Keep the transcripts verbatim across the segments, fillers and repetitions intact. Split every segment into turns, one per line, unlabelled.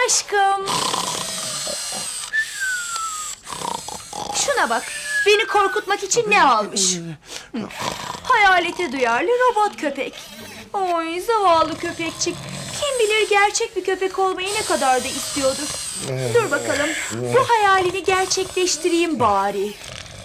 aşkım. Şuna bak. Beni korkutmak için ne almış? Hı. Hayalete duyarlı robot köpek. Oy zavallı köpekçik. Kim bilir gerçek bir köpek olmayı ne kadar da istiyordur. Dur bakalım. Bu hayalini gerçekleştireyim bari.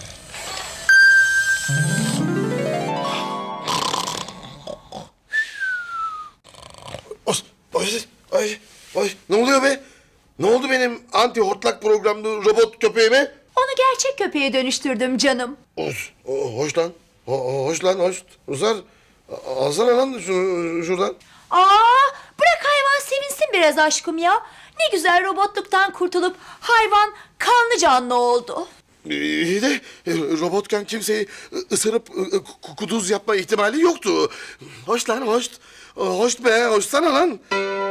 Ay, ay, ay, ne oluyor be? Ne oldu benim anti hortlak programlı robot köpeğime?
Onu gerçek köpeğe dönüştürdüm canım.
Hoş, hoş lan. Ho- Hoş lan, hoş. Ruslar, alsana lan şunu şuradan.
Aa, bırak hayvan sevinsin biraz aşkım ya. Ne güzel robotluktan kurtulup hayvan kanlı canlı oldu.
İyi de e, robotken kimseyi ısırıp e, ku- kuduz yapma ihtimali yoktu. Hoş lan, hoş. Hoş be, hoşsana lan.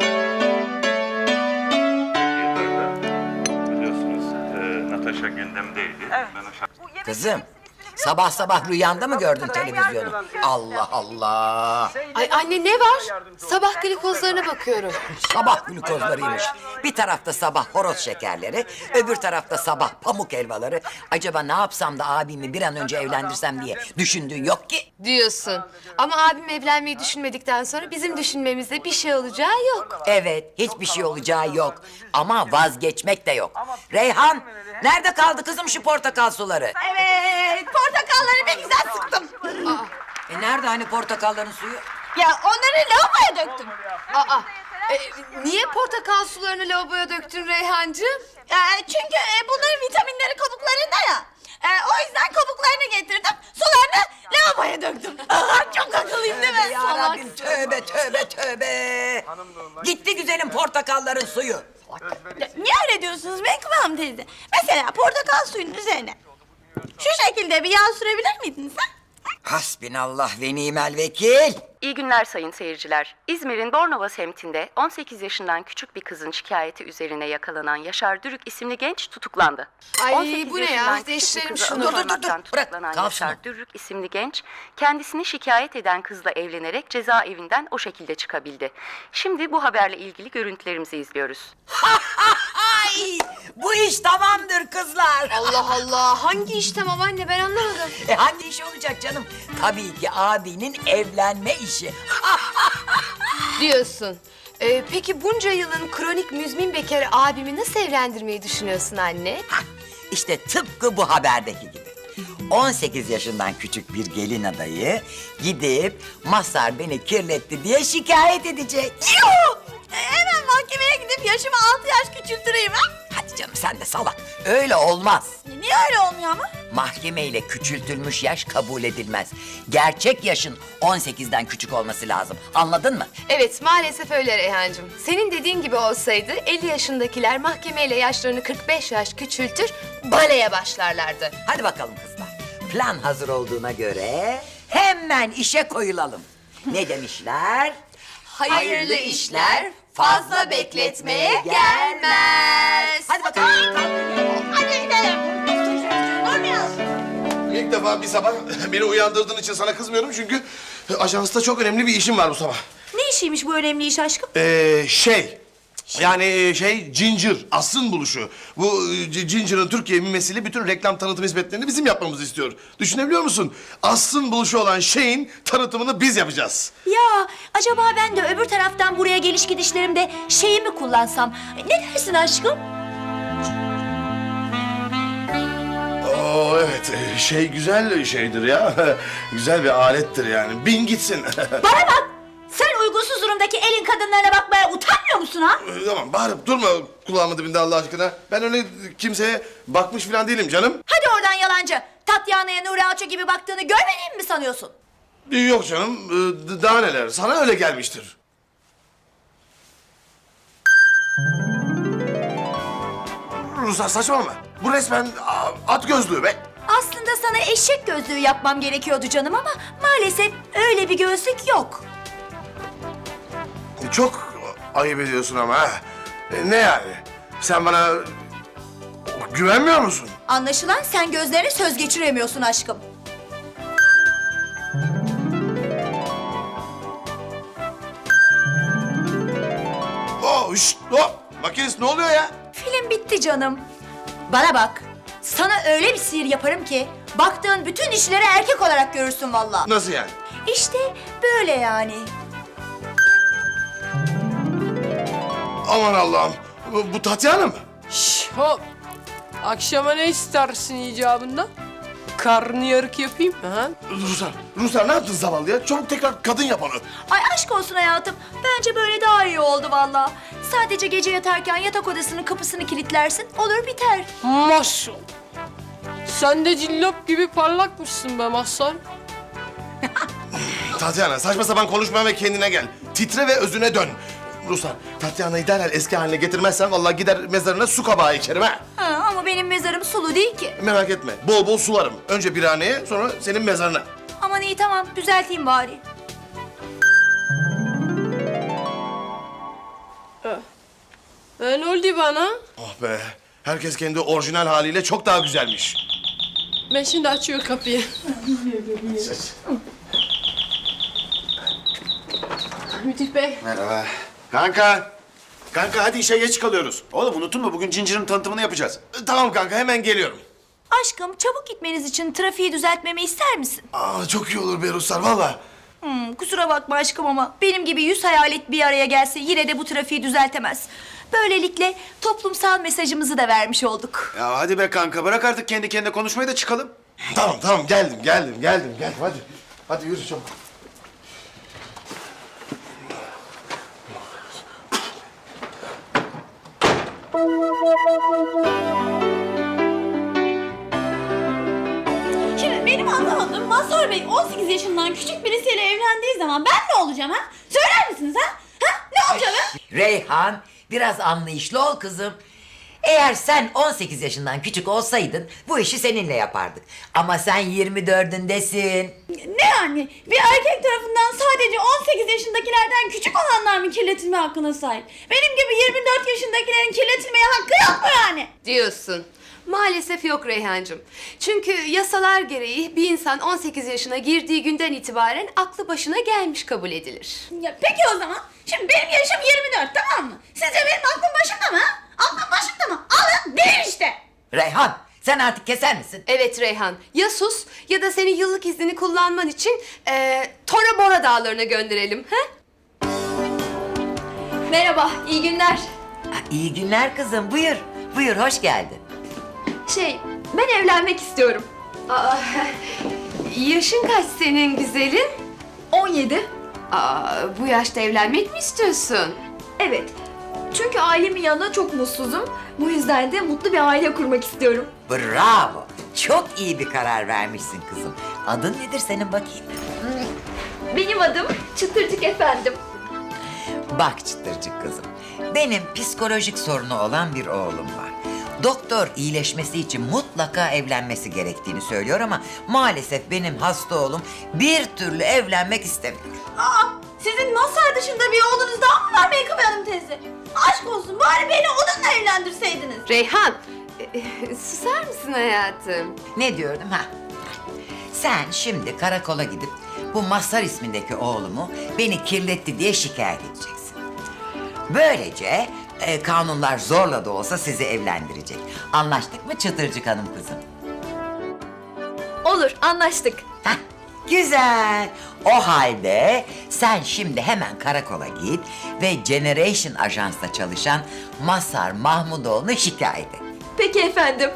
Biliyorsunuz e, Natasha gündemdeydi. Ben o şarkı...
Kızım, sabah sabah rüyanda mı gördün televizyonu? Allah Allah!
Ay anne ne var? Sabah glikozlarına bakıyorum.
Sabah glukozlarıymış. Bir tarafta sabah horoz şekerleri, öbür tarafta sabah pamuk helvaları. Acaba ne yapsam da abimi bir an önce evlendirsem diye düşündüğün yok ki.
Diyorsun. Ama abim evlenmeyi düşünmedikten sonra bizim düşünmemizde bir şey olacağı yok.
Evet, hiçbir şey olacağı yok. Ama vazgeçmek de yok. Reyhan, nerede kaldı kızım şu portakal suları?
Evet, portakalları bir güzel sıktım.
E nerede hani portakalların suyu?
Ya onları lavaboya döktüm.
Aa, e, niye portakal sularını lavaboya döktün Reyhancığım?
Ee, çünkü e, bunların vitaminleri kabuklarında ya. Ee, o yüzden kabuklarını getirdim, sularını lavaboya döktüm. Aa, çok akıllıyım değil mi?
Ya Rabbim, tövbe tövbe tövbe. Gitti güzelim portakalların suyu.
Ya, niye öyle diyorsunuz Menkıbe Hanım teyze? Mesela portakal suyunun üzerine şu şekilde bir yağ sürebilir miydiniz ha?
Hasbinallah ve nimel vekil.
İyi günler sayın seyirciler. İzmir'in Bornova semtinde on sekiz yaşından küçük bir kızın şikayeti üzerine yakalanan Yaşar Dürük isimli genç tutuklandı.
Ay,
on sekiz
bu ne ya?
yaşından küçük bir
Değiştirelim
kızı
şunu.
Dur, dur, dur,
alıkoymaktan
dur. Bırak,
tutuklanan
kalsın
Yaşar
o.
Dürük isimli genç kendisini şikayet eden kızla evlenerek cezaevinden o şekilde çıkabildi. Şimdi bu haberle ilgili görüntülerimizi izliyoruz.
Ay, bu iş tamamdır kızlar.
Allah Allah, hangi iş tamam anne ben anlamadım.
E hangi iş olacak canım? Tabii ki abinin evlenme işi.
Diyorsun. Ee, peki bunca yılın kronik müzmin bekarı abimi nasıl evlendirmeyi düşünüyorsun anne?
Hah, İşte tıpkı bu haberdeki gibi. on sekiz yaşından küçük bir gelin adayı gidip Mazhar beni kirletti diye şikayet edecek.
Yuh! E, hemen mahkemeye gidip yaşımı altı yaş küçültüreyim ha?
Hadi canım sen de salak. Öyle olmaz.
E, Niye öyle olmuyor ama?
Mahkemeyle küçültülmüş yaş kabul edilmez. Gerçek yaşın on sekizden küçük olması lazım. Anladın mı?
Evet maalesef öyle Reyhancığım. Senin dediğin gibi olsaydı elli yaşındakiler mahkemeyle yaşlarını kırk beş yaş küçültür, baleye başlarlardı.
Hadi bakalım kızlar. Plan hazır olduğuna göre hemen işe koyulalım. Ne demişler?
Hayırlı işler fazla bekletmeye gelmez.
Hadi bakalım.
Hadi gidelim. Durmuyoruz.
İlk defa bir sabah beni uyandırdığın için sana kızmıyorum çünkü ajansta çok önemli bir işim var bu sabah.
Ne işiymiş bu önemli iş aşkım?
Ee, şey, yani şey Ginger, Aslı'nın buluşu. Bu e, Ginger'ın Türkiye mimesiyle bütün reklam tanıtım hizmetlerini bizim yapmamızı istiyor. Düşünebiliyor musun? Aslı'nın buluşu olan şeyin tanıtımını biz yapacağız.
Ya acaba ben de öbür taraftan buraya geliş gidişlerimde şeyi mi kullansam? Ne dersin aşkım?
Oo evet, e, şey güzel şeydir ya. Güzel bir alettir yani. Bin gitsin.
Bana bak! Sen uygunsuz durumdaki elin kadınlarına bakmaya utanmıyor musun ha?
Ee, Tamam bağırıp durma kulağımın dibinde Allah aşkına. Ben öyle kimseye bakmış falan değilim canım.
Hadi oradan yalancı. Tatyana'ya Nuri Alço gibi baktığını görmediğimi mi sanıyorsun?
Ee, Yok canım, ee, daha neler. Sana öyle gelmiştir. Ruslar saçmalama. Bu resmen a, at gözlüğü be.
Aslında sana eşek gözlüğü yapmam gerekiyordu canım ama maalesef öyle bir gözlük yok.
Çok ayıp ediyorsun ama ha. E, ne yani? Sen bana güvenmiyor musun?
Anlaşılan sen gözlerine söz geçiremiyorsun aşkım.
Oh, şşt, hop. Makinist ne oluyor ya?
Film bitti canım. Bana bak. Sana öyle bir sihir yaparım ki baktığın bütün işleri erkek olarak görürsün vallahi.
Nasıl yani?
İşte böyle yani.
Aman Allah'ım. Bu, bu Tatyana mı?
Şş, hop. Akşama ne istersin icabında? Karnıyarık yapayım mı ha?
Ruslar, Ruslar ne yaptın zavallı ya? Çabuk tekrar kadın yap onu.
Ay aşk olsun hayatım. Bence böyle daha iyi oldu vallahi. Sadece gece yatarken yatak odasının kapısını kilitlersin. Olur biter.
Maşallah. Sen de cillop gibi parlakmışsın be Mazhar.
Tatyana saçma sapan konuşma ve kendine gel. Titre ve özüne dön. Ruslar, Tatyana'yı derhal eski haline getirmezsen vallahi gider mezarına su kabağı içerim ha.
Ha, ama benim mezarım sulu değil ki.
Merak etme, bol bol sularım. Önce birhaneye, sonra senin mezarına.
Aman iyi tamam düzelteyim bari.
E, ne oldu bana?
Oh be, herkes kendi orijinal haliyle çok daha güzelmiş.
Ben şimdi açıyor kapıyı. Müdür bey.
Merhaba. Kanka. Kanka hadi işe geç kalıyoruz. Oğlum unuttun mu? Bugün Cincir'in tanıtımını yapacağız.
E, Tamam kanka, hemen geliyorum.
Aşkım çabuk gitmeniz için trafiği düzeltmemi ister misin?
Aa, çok iyi olur be Ruslar, vallahi.
Hmm, kusura bakma aşkım ama benim gibi yüz hayalet bir araya gelse yine de bu trafiği düzeltemez. Böylelikle toplumsal mesajımızı da vermiş olduk.
Ya hadi be kanka. Bırak artık kendi kendine konuşmayı da çıkalım.
Tamam tamam, geldim geldim geldim geldim hadi. Hadi yürü çabuk.
Şimdi benim anlamadığım Mazhar Bey on sekiz yaşından küçük birisiyle evlendiği zaman ben ne olacağım ha? Söyler misiniz ha? Ha? Ne olacağım ha?
Reyhan, biraz anlayışlı ol kızım. Eğer sen on sekiz yaşından küçük olsaydın bu işi seninle yapardık. Ama sen yirmi dördündesin.
Ne yani? Bir erkek tarafından sadece on sekiz yaşındakilerden küçük olanlar mı kirletilme hakkına sahip? Benim gibi yirmi dört yaşındakilerin kirletilmeye hakkı yok mu yani?
Diyorsun. Maalesef yok Reyhancığım. Çünkü yasalar gereği bir insan on sekiz yaşına girdiği günden itibaren aklı başına gelmiş kabul edilir.
Ya peki o zaman. Şimdi benim yaşım yirmi dört tamam mı? Sizce benim aklım başımda mı ha? Aklım başımda mı? Alın değil işte.
Reyhan, sen artık keser misin?
Evet Reyhan, ya sus ya da seni yıllık iznini kullanman için eee Tora Bora dağlarına gönderelim. He?
Merhaba, iyi günler.
Ha, iyi günler kızım, buyur. Buyur, hoş geldin.
Şey, ben evlenmek istiyorum.
Aa, yaşın kaç senin güzelin?
on yedi.
Aa, bu yaşta evlenmek mi istiyorsun?
Evet. Çünkü ailemin yanında çok mutsuzum. Bu yüzden de mutlu bir aile kurmak istiyorum.
Bravo, çok iyi bir karar vermişsin kızım. Adın nedir senin bakayım?
Benim adım Çıtırcık efendim.
Bak çıtırcık kızım, benim psikolojik sorunu olan bir oğlum var. Doktor iyileşmesi için mutlaka evlenmesi gerektiğini söylüyor ama maalesef benim hasta oğlum bir türlü evlenmek istemiyor.
Aa, sizin Mazhar dışında bir oğlunuz daha mı var Meykıbe Hanım teyze? Aşk olsun bari beni onunla evlendirseydiniz.
Reyhan, e, e, susar mısın hayatım?
Ne diyordum ha? Sen şimdi karakola gidip bu Mazhar ismindeki oğlumu beni kirletti diye şikayet edeceksin. Böylece e, kanunlar zorla da olsa sizi evlendirecek. Anlaştık mı Çıtırcık Hanım kızım?
Olur, anlaştık.
Heh, güzel. O halde sen şimdi hemen karakola git ve Generation Ajans'ta çalışan Mazhar Mahmudoğlu'nu şikayet et.
Peki efendim.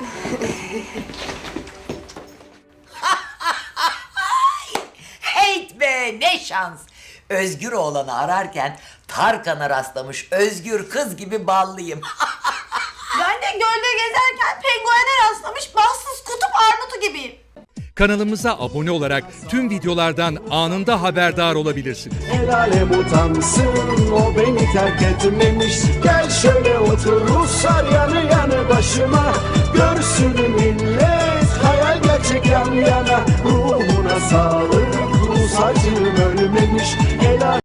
Heyt be, ne şans. Özgür oğlanı ararken Tarkan'a rastlamış özgür kız gibi ballıyım.
Ben de gölde gezerken penguene rastlamış bahtsız kutup armutu gibiyim.
Kanalımıza abone olarak tüm videolardan anında haberdar olabilirsiniz.
El alem utansın, o beni terk etmemiş. Gel şöyle otur Ruslar yanı yanı başıma. Görsün millet hayal gerçek yan yana. Ruhuna sağlık, Rus acım ölmemiş. El